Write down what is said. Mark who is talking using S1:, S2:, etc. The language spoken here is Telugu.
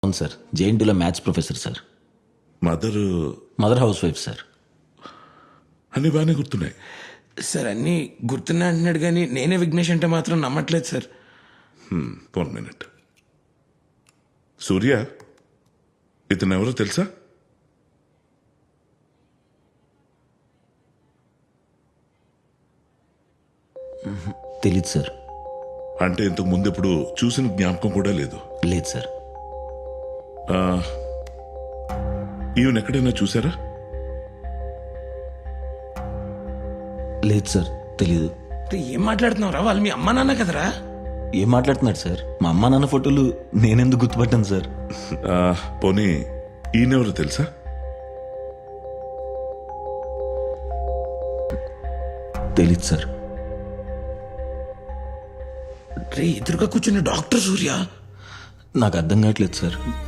S1: అవును సార్, జేఎన్టీలో maths professor sir.
S2: Mother
S1: mother housewife sir.
S2: అన్ని బాగానే గుర్తున్నాయి.
S3: సార్ అన్నీ గుర్తున్నా అంటున్నాడు కానీ నేనే విఘ్నేష్ అంటే మాత్రం నమ్మట్లేదు సార్.
S2: 1 minute. సూర్య, ఇతను ఎవరో తెలుసా?
S1: తెలీదు సార్.
S2: అంటే ఇంతకు ముందు ఎప్పుడు చూసిన జ్ఞాపకం కూడా లేదు.
S1: లేదు సార్.
S2: ఈవెన్ ఎక్కడైనా చూసారా?
S1: లేదు సార్, తెలీదు.
S3: రే, ఏం మాట్లాడుతున్నావు రా? వాళ్ళు మీ అమ్మా నాన్న కదరా?
S1: ఏం మాట్లాడుతున్నాడు సార్? మా అమ్మ నాన్న ఫోటోలు నేనెందుకు గుర్తుపట్టాను సార్?
S2: పోనీ ఈయనెవరో తెలుసా?
S1: తెలీదు సార్.
S3: రే, ఎదురుగా కూర్చున్న డాక్టర్ సూర్య.
S1: నాకు అర్థం కావట్లేదు సార్.